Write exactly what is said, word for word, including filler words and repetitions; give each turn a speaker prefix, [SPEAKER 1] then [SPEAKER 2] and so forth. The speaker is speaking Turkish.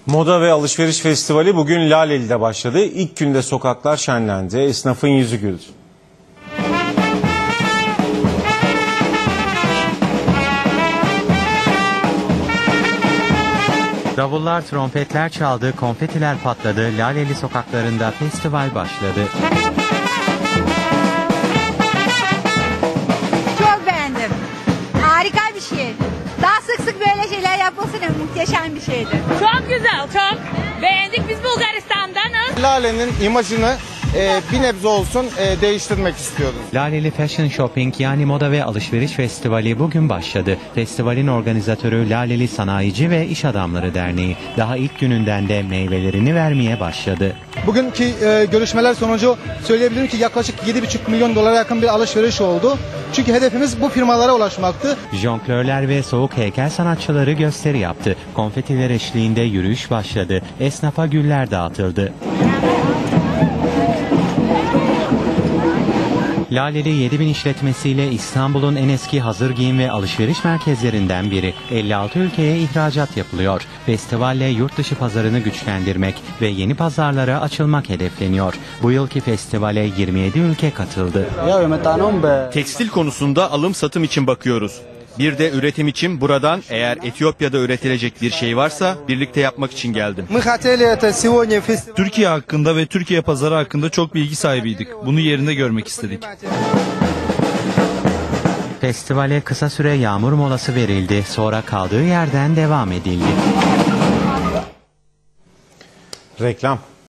[SPEAKER 1] Moda ve Alışveriş Festivali bugün Laleli'de başladı. İlk günde sokaklar şenlendi, esnafın yüzü güldü.
[SPEAKER 2] Davullar, trompetler çaldı, konfetiler patladı, Laleli sokaklarında festival başladı.
[SPEAKER 3] Çok beğendim. Harika bir şey. Daha sık sık böyle şeyler yapılsın, muhteşem bir şeydi.
[SPEAKER 4] Çok güzel, çok beğendik. Biz Bulgaristan'danız.
[SPEAKER 5] Lale'nin imajını e, bir nebze olsun e, değiştirmek istiyoruz.
[SPEAKER 2] Laleli Fashion Shopping yani Moda ve Alışveriş Festivali bugün başladı. Festivalin organizatörü Laleli Sanayici ve İş Adamları Derneği daha ilk gününden de meyvelerini vermeye başladı.
[SPEAKER 6] Bugünkü e, görüşmeler sonucu söyleyebilirim ki yaklaşık yedi buçuk milyon dolara yakın bir alışveriş oldu. Çünkü hedefimiz bu firmalara ulaşmaktı.
[SPEAKER 2] Jonglörler ve soğuk heykel sanatçıları gösteri yaptı. Konfetiler eşliğinde yürüyüş başladı. Esnafa güller dağıtıldı. Laleli yedi bin işletmesiyle İstanbul'un en eski hazır giyim ve alışveriş merkezlerinden biri. elli altı ülkeye ihracat yapılıyor. Festivalle yurt dışı pazarını güçlendirmek ve yeni pazarlara açılmak hedefleniyor. Bu yılki festivale yirmi yedi ülke katıldı.
[SPEAKER 7] Tekstil konusunda alım satım için bakıyoruz. Bir de üretim için buradan eğer Etiyopya'da üretilecek bir şey varsa birlikte yapmak için geldim.
[SPEAKER 8] Türkiye hakkında ve Türkiye pazarı hakkında çok bilgi sahibiydik. Bunu yerinde görmek istedik.
[SPEAKER 2] Festivale kısa süre yağmur molası verildi. Sonra kaldığı yerden devam edildi.
[SPEAKER 1] Reklam.